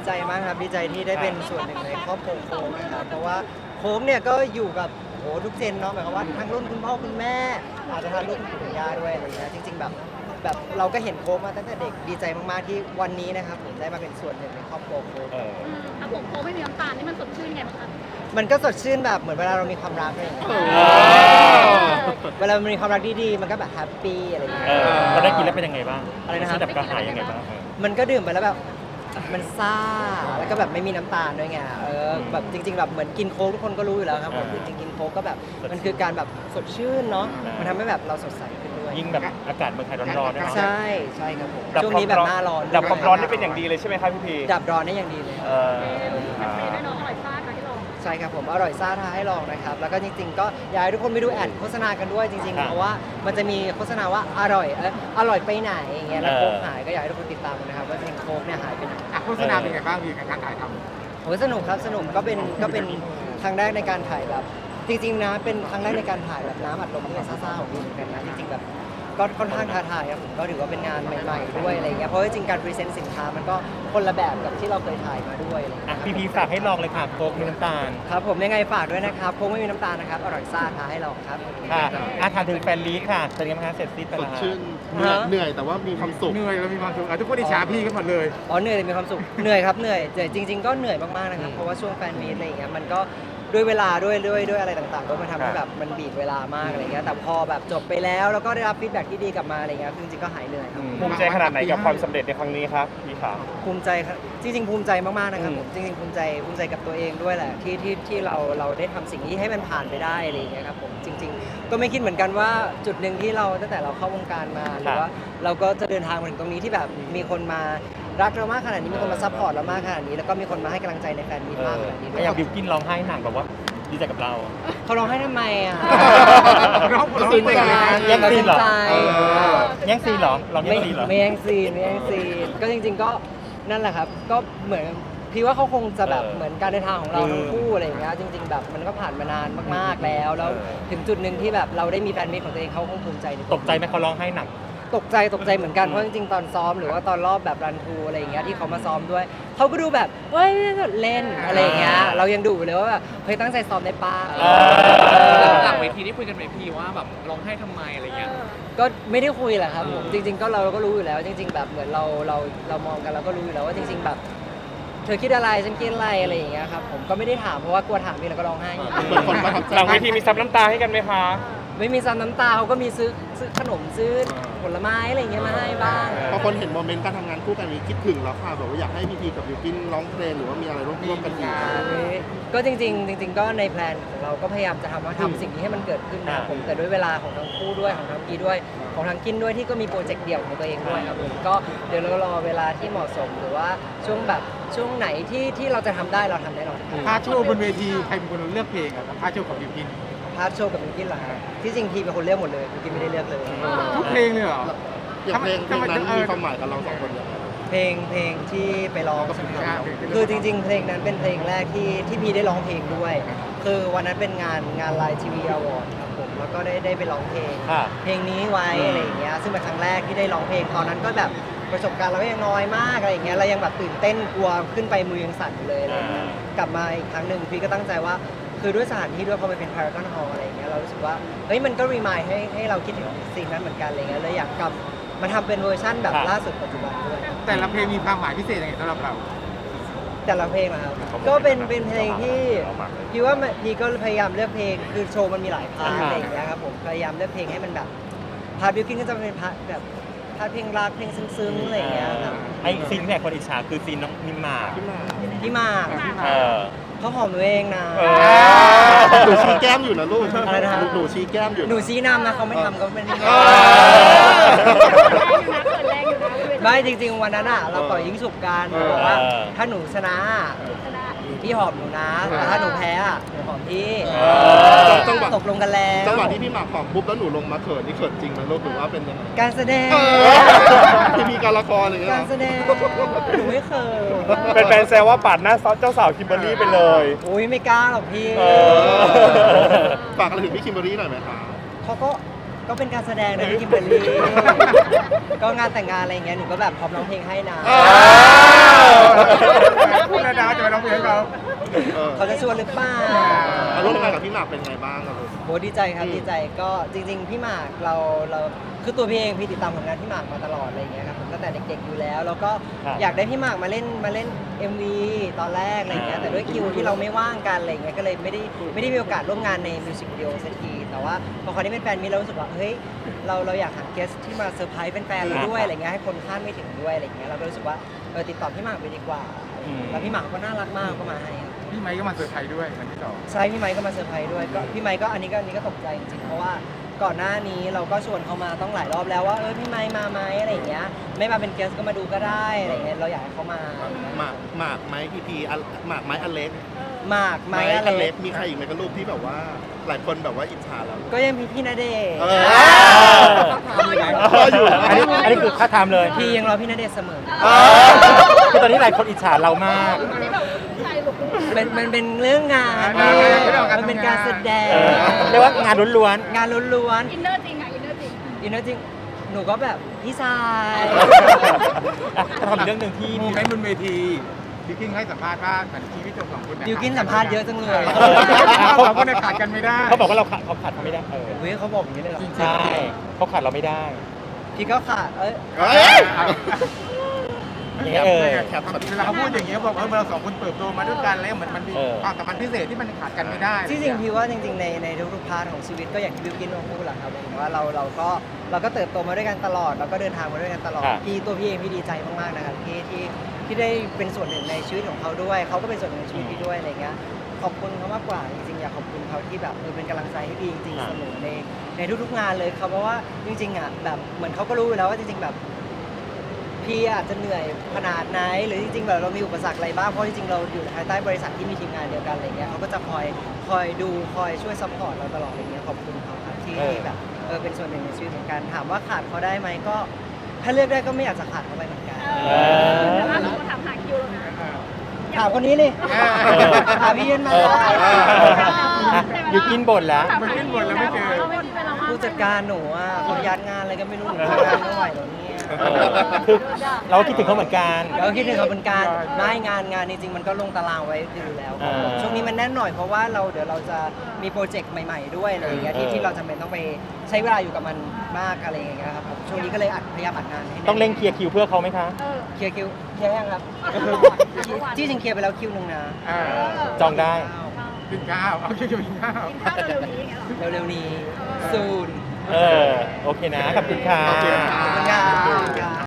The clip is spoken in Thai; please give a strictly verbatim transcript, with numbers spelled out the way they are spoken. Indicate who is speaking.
Speaker 1: ใจมากครับดีใจที่ได้เป็นส่วนหนึ่งในครอบครัวโค้งนะครับเพราะว่าโค้งเนี่ยก็อยู่กับโอ้ทุกเจนเนาะหมายความว่าทั้งรุ่นคุณพ่อคุณแม่อาจจะทั้งรุ่นคุณปู่คุณย่าด้วยอะไรเงี้ยจริงๆแบบแบบเราก็เห็นโค้งมาตั้งแต่เด็กดีใจมากๆที่วันนี้นะครับผมได้มาเป็นส่วนหนึ่งในครอบครัวโค้ง
Speaker 2: ถ้าผมโค้ไม่มีน้ำตาลนี่มันสดชื่นไงบ้างคะ
Speaker 1: มันก็สดชื่นแบบเหมือนเวลาเรามีความรักอะไรอย่างเงี้ยเวลามันมีความรักดีๆมันก็แบบแฮปปี้อะไรอย่างเงี้ย
Speaker 3: เออเราได้กินแล้วเป็นยังไงบ้าง
Speaker 1: อะไรนะครับ
Speaker 3: ดับกระหายยังไงบ้าง
Speaker 1: มันก็ดื่มไปแล้วแบบมันซ่าแล้วก็แบบไม่มีน้ำตาลด้วยไงเออแบบจริง ๆแบบเหมือนกินโค้กทุกคนก็รู้อยู่แล้วครับผมจริงๆกินโค้กก็แบบมันคือการแบบสดชื่นเนาะมันทำให้แบบเราสดใสขึ้นด้วย
Speaker 3: ยิ่งแบบอากาศเมืองไทยร้อนๆด้วยเนาะ
Speaker 1: ใช่ใช่ครับผม
Speaker 3: ดับ
Speaker 1: ช่วง
Speaker 3: ความ
Speaker 1: นี้แบบหน้าร้อน
Speaker 3: ดับความร้อนได้เป็นอย่างดีเลยใช่ไหมครับพี่พี
Speaker 1: ดับร้อนได้อย่างดีเลย
Speaker 3: เออ
Speaker 2: แฮปปี้ด้วยเนาะอร่อยซ่าค่ะที่ลอง
Speaker 1: ใช่ครับผมอร่อยซ่าท้าให้ลองนะครับแล้วก็จริงๆก็อยากให้ทุกคนไปดูแอดโฆษณากันด้วยจริงๆเพราะว่ามันจะมีโฆษณาว่าอร่อยเอออร่อยไปไหนอย่างเงี้ยแล้วโค้กหายก็อยากให้ทุกคนติดตามกันนะครับว่าจริงๆโค้กเนี่ยหายไปไหน
Speaker 4: โฆษณาเป็นไงบ้างพี่การถ่ายทำ
Speaker 1: โอ้ยสนุกครับสนุกก็เป็นก็เป็นครั้งแรกในการถ่ายแบบจริงๆนะเป็นครั้งแรกในการถ่ายแบบน้ำอัดลมที่มันซ่าๆของพี่เหมือนกันนะจริงๆแบบก็ค่อนข้างท้าทายครับผมก็ถือว่าเป็นงานใหม่ๆด้วยอะไรเงี้ยเพราะว่าจริงๆการพรีเซนต์สินค้ามันก็คนละแบบกับที่เราเคยถ่ายมาด้วยอะไรเงี้ย
Speaker 3: อ่ะพี่พีฝากให้ลองเลยค่ะโค้กมีน้ำตาล
Speaker 1: ครับผมยังไงฝากด้วยนะครับโค้กไม่มีน้ำตาลนะครับอร่อยซ่าท้าให้ลองครับ
Speaker 3: ค่ะอาถามถึงแฟนลีดค่ะเป็นยังไงบ้างคะเสร็จสิ้นไป
Speaker 5: ส
Speaker 3: แล้
Speaker 5: ด
Speaker 3: ว
Speaker 5: ชื่นเหนื่อยเหนื่อยแต่ว่ามีความสุข
Speaker 4: เหนื่อยแล้วมีความสุขอ่ะทุกคนอิจฉาพี่กันหมดเลย
Speaker 1: อ๋อเหนื่อยแต่มีความสุขเหนื่อยครับเหนื่อยแต่จริง ๆก็เหนื่อยมากๆนะครับเพราะว่าช่วงแฟนมีตอะไรอย่างเงี้ยมันก็ด้วยเวลาด้วยด้วยด้วยอะไรต่างๆก็มันทำให้แบบมันบีบเวลามากอะไรเงี้ยแต่พอแบบจบไปแล้วแล้วก็ได้รับฟีดแบ็กที่ดีกลับมาอะไรเงี้ยจริงๆก็หายเหนื่อยครับ
Speaker 3: ภูมิใจขนาดไหนกับความสำเร็จในครั้งนี้ครับพี่ขา
Speaker 1: ภูมิใจครับจริงๆภูมิใจมากๆนะครับผมจริงๆภูมิใจภูมิใจกับตัวเองด้วยแหละที่ที่ที่เราเราได้ทำสิ่งนี้ให้มันผ่านไปได้อะไรอย่างเงี้ยครับผมจริง ๆ ก็ไม่คิดเหมือนกันว่าจุดหนึ่งที่เราตั้งแต่เราเข้าวงการมาหรือว่าเราก็จะเดินทางมาถึงตรงนี้ที่แบบมีคนมารักเรามากขนาดนี้มีคนมาซัพพอร์ตเรามากขนาดนี้แล้วก็มีคนมาให้กำลังใจในแฟนมีตมากขนาดนี้ด้ว
Speaker 3: อย ย่างบิวกินร้องไห้หนักแบบว่าดีใจกับเรา
Speaker 1: เขาร้องให้ทำไมอ่ะ
Speaker 4: ร้องร้องเพลงเลยนะ
Speaker 3: แย่งซีนเหรอ
Speaker 1: ใจ
Speaker 3: แย่งซีนเหรอลองแย่
Speaker 1: ไม่
Speaker 3: งซีนเหรอ
Speaker 1: ไม่แย่งซีนไม่แย่งซีนก็จริง ๆ ก็นั่นแหละครับ ก็เหมือนพี่ว่าเขาคงจะแบบ
Speaker 3: เออ
Speaker 1: เหมือนการเดินทางของเรา
Speaker 3: อืม
Speaker 1: ทั้งคู่อะไรอย่างเงี้ยจริง ๆ แบบมันก็ผ่านมานานมากๆแล้ว แล้ว
Speaker 3: เออ
Speaker 1: ถึงจุดหนึ่งที่แบบเราได้มีแฟนมิตรของตัวเองเขาคงภูมิใจในว
Speaker 3: ตกใจไหมเขาร้องไห้หนัก
Speaker 1: ตกใจตกใจเหมือนกันเพราะจริงๆตอนซ้อมหรือว่าตอนรอบแบบรันทูอะไรอย่างเงี้ยที่เขามาซ้อมด้วยเขาก็ดูแบบเฮ้ยเล่นอะไรอย่างเงี้ยเรายังดูอยู่เลยว่าแบบเฮ้ยตั้งใจซ้อมได้ป้า
Speaker 3: เออ
Speaker 6: หลังเวทีนี่คุยกันไหมพี่ว่าแบบร้องไห้ทำไมอะไรเงี้ย
Speaker 1: ก็ไม่ได้คุยแหละครับผมจริง ๆ ก็เราก็รู้อยู่แล้ว จริง ๆ แบบเหมือนเราเราเรามองกันเราก็รู้อยู่แล้วว่าจริง ๆ แบบเธอคิดอะไรฉันคิดอะไรอะไรอย่างเงี้ยครับผมก็ไม่ได้ถามเพราะว่ากลัวถามพี่แล้วก็ร้องไห้
Speaker 5: เหมือนคนประทับใจ
Speaker 3: หลังเวทีมีซับน้ำตาให้กันไหมคะ
Speaker 1: ไม่มีซ้ำน้ำตาเขาก็มีซื้อซื้อขนมซื้อผลไม้อะไรอย่างเงี้ยมาให้บ้าง
Speaker 5: พอคนเห็นโมเมนต์การทำงานคู่กันนี้คิดถึงแล้วค่ะแบบว่าอยากให้พีพีกับบิวกินร้องเพลงหรือว่ามีอะไรร่วมร่วมกันอีก
Speaker 1: ก็จริงๆจริง ๆ ก็ในแพลนของเราก็พยายามจะทำว่าทำสิ่งนี้ให้มันเกิดขึ้นนะครับผมแต่ด้วยเวลาของทั้งคู่ด้วยของทั้งกีด้วยของทั้งกินด้วยที่ก็มีโปรเจกต์เดี่ยวของตัวเองด้วยครับผมก็เดี๋ยวเรารอเวลาที่เหมาะสมหรือว่าช่วงแบบช่วงไหนที่ที่เราจะทำได้เราทำแน่นอน
Speaker 4: พาโชว์บนเวทีใครเป็นคนเลือกเพลงอ่ะพาโชว์กับบิวกิน
Speaker 1: พาร์ทโชว์กับบิวกินเหรอครับที่จริงทีเป็นคนเลือกหมดเลยบิวกินไม่ได้เลือกเลย
Speaker 4: ทุกเพลงเลยเหรอ
Speaker 5: อย่างเพลงเพลงนั้น
Speaker 4: ทำไม
Speaker 5: มีความหมายกับเราสองคนยังไง
Speaker 1: เพลงเพลงที่ไปร้อง
Speaker 4: ก็เป็นเพลงเพลงที่
Speaker 1: คือจริง ๆ เพลงนั้นเป็นเพลงแรกที่ที่พี่ได้ร้องเพลงด้วย คือวันนั้นเป็นงานงานไลน์ทีวีอวอร์ดครับผมแล้วก็ได้ได้ไปร้องเพลง
Speaker 3: ค่ะ
Speaker 1: เพลงนี้ไว้อะไรอย่างเงี้ยซึ่งเป็นครั้งแรกที่ได้ร้องเพลงตอนนั้นก็แบบประสบการณ์เราก็ยังน้อยมากอะไรอย่างเงี้ยเรายังแบบตื่นเต้นกลัวขึ้นไปมือยังสั่นอยู่เลยอะไรอย่างเงี้ยกลับมาอีกครั้งหนึ่งพี่ก็ตั้งใจว่าคือด้วยสถานที่ด้วยพอมันเป็นพารากอนฮอลล์อะไรอย่างเงี้ยเรารู้สึกว่าเฮ้ยมันก็รีมายให้ให้เราคิดถึงสิ่งนั้นเหมือนกันอะไรเงี้ยเลยอยากกลับมาทำเป็นเวอร์ชั่นแบบล่าสุดปัจจุบันด้วย
Speaker 4: แต่ละเพลงมีความหมายพิเศษยังไงสำหรับเรา
Speaker 1: แต่ละเพลงนะครับก็เป็นเป็นเพลงที่พี่ว่ามันพี่ก็พยายามเลือกเพลงคือโชว์มันมีหลายพาร์ทอะไรอย่างเงี้ยครับผมพยายามเลือกเพลงให้มันแบบพาร์ทบิวกิ้นก็จะเป็นพาร์ทแบบพาร์ทเพลงรักเพลงซึ้งๆอะไรอย่างเงี้ยครับ
Speaker 3: ไอ้ซีนที่ไหนคนอิจฉาคือซีนน้องนิมมา
Speaker 5: ขึ้นมา
Speaker 1: พี่หมาก
Speaker 3: เออ
Speaker 1: เขาหอมหนูเองนะ
Speaker 3: เอ
Speaker 5: หนูชี้แก้มอยู่นะลูก
Speaker 1: อะไรนะฮะ
Speaker 5: หนูชี้แก้มอยู่ะ
Speaker 1: หนูชี้นำนะเขาไม่ทำก็ไม่ได้
Speaker 5: เออ
Speaker 2: แรงอยู่นะเกิดแรงอยู่นะ
Speaker 1: ไม่จริงๆวันนั้นอ่ะเราต่อยยิงฉุบกันบอกว่าถ้าหนูชนะ
Speaker 2: ชนะ
Speaker 1: พี่หอมหนูนะแต่ถ้าหนูแพ้อ่ะหนูหอมพี่
Speaker 5: จังหวะ
Speaker 1: ตกลงกันแล้ว
Speaker 5: จังหวะที่พี่หมากหอมปุ๊บแล้วหนูลงมาเขินนี่เขินจริงไหมลูกหรือว่าเป็นยังไง
Speaker 1: การแสดง
Speaker 5: เออพี่มีการละครอะไรอย่างเงี้ย
Speaker 1: การ
Speaker 5: เหรอ
Speaker 1: แสดงหนูไม่เคย
Speaker 3: เป็นแฟนแซวว่าปาดหน้าเจ้าสาวคิมเบอรรี่ไปเลย
Speaker 1: โอ้ยไม่กล้าหรอกพี่
Speaker 3: เออ
Speaker 5: ฝากอะไรถึงพี่คิมเบอรรี่หน่อยไหมคะ
Speaker 1: เขาก็ก็เป็นการแสดงนะพี่คิมเบอร์รี่ ก็งานแต่งงานอะไรอย่างเงี้ยหนูก็แบบพร้อมร้องเพลงให้นะ
Speaker 4: พูดแล้วนะจะไปร้องเพลงให้เขา
Speaker 5: เออ
Speaker 1: เขาจะชวนหรือเปล่า
Speaker 5: มาร่วมงานกับพี่หมากเป็นไงบ้างครับผม
Speaker 1: โหดีใจครับ
Speaker 5: อืม
Speaker 1: ดีใจก็จริง ๆ พี่หมากเราเราคือตัวพี่เองพี่ติดตามผลงานพี่หมากมาตลอดอะไรอย่างเงี้ยครับผมตั้งแต่เด็กๆอยู่แล้ว แล้วก็
Speaker 3: ครับ
Speaker 1: อยากได้พี่หมากมาเล่นมาเล่น เอ็ม วี ตอนแรกอะไรอย่างเงี้ยแต่ด้วยคิวที่เราไม่ว่างกันอะไรอย่างเงี้ยก็เลยไม่ได้ไม่ได้มีโอกาสร่วมงานในมิวสิกวิดีโอสักทีแต่ว่าพอคราวนี้เป็นแฟนมิตรเรารู้สึกว่าเฮ้ยเราเราอยากหาเกสที่มาเซอร์ไพรส์เป็นแฟนเราด้วยอะไรเงี้ยให้คนคาดไม่ถึงด้วยอะไรเงี้ยเราก็รู้สึกว่าเออติดต่อพี่หมากไปดีกว่า
Speaker 3: อืม
Speaker 1: แล้วพี่หมากก็น่ารักมากก็มาให้ครับ
Speaker 4: พี่ไมค์ก็มาเซอร์ไพรส์ด้วยวันที่สอง
Speaker 1: ใช่พี่ไมค์ก็มาเซอร์ไพรส์ด้วยก็พี่ไมค์ก็อันนี้ก็อันนี้ก็ตกใจจริงๆเพราะว่าก่อนหน้านี้เราก็ชวนเขามาต้องหลายรอบแล้วว่าเออพี่ไมค์มาไหมอะไรอย่างเงี้ยไม่มาเป็นเกสก็มาดูก็ได้อะไรเงี้ยเราอยากให้เขามาอะไรเงี้ย
Speaker 5: หมากหมากไม้พีพีอันหมากไม้อเล็ก
Speaker 1: หมากไม
Speaker 5: ไม้
Speaker 1: ค์
Speaker 5: อ
Speaker 1: อะไร
Speaker 5: เล็กมีใครอีกไหมกับรูปที่แบบว่า หลายคนแบบว่าอิจฉาเรา
Speaker 1: ก็ยังมีพี่ณเดชน์
Speaker 5: เออ
Speaker 3: อันนี้อันนี้คือค่าทำเลย
Speaker 1: พี่ยังรอพี่ณเดชน์เสมอ
Speaker 5: เออ
Speaker 3: คือตอนนี้หลายคนอิจฉาเรามาก
Speaker 2: วันนี้แบบผู้ชายหลุด
Speaker 1: เป็นมันเป็นเรื่องงาน
Speaker 4: เออเรื่องการทำงาน
Speaker 1: มันเป็นการแสดง
Speaker 3: เออเรียกว่างานล้วน
Speaker 1: งานล้วน
Speaker 2: อินเนอร์จริงอ่ะอินเนอร์จริง
Speaker 1: ๆอินเนอร์จริงหนูก็แบบพี่ชาย
Speaker 3: ๆอ่ะก็ทำอีกเรื่องหนึ่งที่
Speaker 4: โมเมนต์บนเวทีบิวกิ้นให้สัมภาษณ์ว่าเหมือนชีวิตของสองคนเนี่ย
Speaker 1: ดิวกินสัมภาษณ์เยอะจังเลย
Speaker 4: เออเราสองคนเนี่ยขาดกันไม่ได้
Speaker 3: เขาบอกว่าเราขาดเขาขาดเขาไม่ได้เออ
Speaker 1: เฮ้ยเขาบอกอย่างนี้เลยเหรอ
Speaker 4: จริง
Speaker 3: ใช่เขาขาดเราไม่ได้
Speaker 1: พี่ก็ขาดเอ้ย
Speaker 5: เฮ้ย
Speaker 3: อย่างเงี้ยเออ
Speaker 5: แคปช็อต
Speaker 4: เวลาเขาพูดอย่างเงี้ยบอกว่าเราสองคนเติบโตมาด้วยกันแล้วเหมือนมันมี
Speaker 3: เออ
Speaker 4: ความสัมพันธ์พิเศษที่มันขาดกันไม่ได้
Speaker 1: ที่จริงพี่ว่าจริงๆในในทุกๆพาร์ทของชีวิตก็อย่างที่บิวกินมาพูดแหละครับผมว่าเราเราก็เราก็เติบโตมาด้วยกันตลอดเราก็เดินทางมาด้วยกันตลอด
Speaker 3: ครับ
Speaker 1: พี่ตัวพี่เองพี่ดีใจมากๆนะครับที่ที่ที่ได้เป็นส่วนหนึ่งในชีวิตของเขาด้วยเขาก็เป็นส่วนหนึ่งในชีวิตพี่ด้วยอะไรเงี้ยขอบคุณเขามากกว่าจริงๆอยากขอบคุณเขาที่แบบเออเป็นกำลังใจให้พี่จริงๆเสมอในในทุกๆงานเลยครับเพราะว่าจริงๆอ่ะแบบเหมือนเขาก็รู้อยู่แล้วว่าจริงๆแบบ พี่อาจจะเหนื่อยขนาดไหนหรือจริงๆแบบเรามีอุปสรรคอะไรบ้างเพราะจริงๆเราอยู่ภายใต้บริษัทที่มีทีมงานเดียวกันอะไรเงี้ยเขาก็จะคอยคอยดูคอยช่วยซัพพอร์ตเราตลอดอะไรเงี้ยขอบคุณเขาครับที่
Speaker 3: เออ
Speaker 1: ที่แบบเออเป็นส่วนหนึ่งในชีวิตเหมือนกันถามว่าขาดเขาได้ไหมก็ถ้าเลือกได้ก็ไม่อยากจะขาดเขาไปเหมือนกัน
Speaker 2: เออแต่ล่าสุดก็ถามหาคิวแล้วนะ
Speaker 1: ถามคนนี้เลย
Speaker 4: เออ
Speaker 1: ถามพี่เย็นมา
Speaker 3: เออ
Speaker 2: อ่ะ
Speaker 3: ยูกินบ่นแล้ว
Speaker 4: มันขึ้นบนแล้วไม่เจอ
Speaker 2: ราไม่มีเวลาว่าง
Speaker 1: ผู้จัดการหนูอ่ะเขายัดงานอะไรก็ไม่รู้หนูทำงานไม่ไหวแล้วเนี่ย
Speaker 3: เออคือเราก็คิดถึงเขาเหมือนกัน
Speaker 1: แล้วก็คิดถึงเขาเป็นการไม่งานงานจริงๆมันก็ลงตารางไว้อยู่แล้วครับผม
Speaker 3: อ่า
Speaker 1: ช่วงนี้มันแน่นหน่อยเพราะว่าเราเดี๋ยวเราจะมีโปรเจกต์ใหม่ๆด้วยอะไรอย่างเงี้ยที่
Speaker 3: เออ
Speaker 1: ที่เราจำเป็นต้องไปใช้เวลาอยู่กับมันมากอะไรอย่างเงี้ยครับผมช่วงนี้ก็เลยอัดพยายามอัดงานให้แน่น
Speaker 3: ต้องเร่งเคลียร์คิวเพื่อเขาไหมคะ
Speaker 2: เออ
Speaker 1: เคลียร์คิวเคลียร์ยังครับที่จริงเคลียร์ไปแล้วคิวหนึ่งนะ
Speaker 4: เออ
Speaker 3: จองได้
Speaker 4: กินข้าวเอาคิวกินข้าว
Speaker 2: กินข้าวเร็วๆนี้อย่างเงี้ยเหรอ
Speaker 1: เร็วๆนี้ซูน
Speaker 3: เออ โอเคนะ ขอบคุณค่ะ
Speaker 5: ขอบคุณค่ะ
Speaker 1: ขอบคุณครับ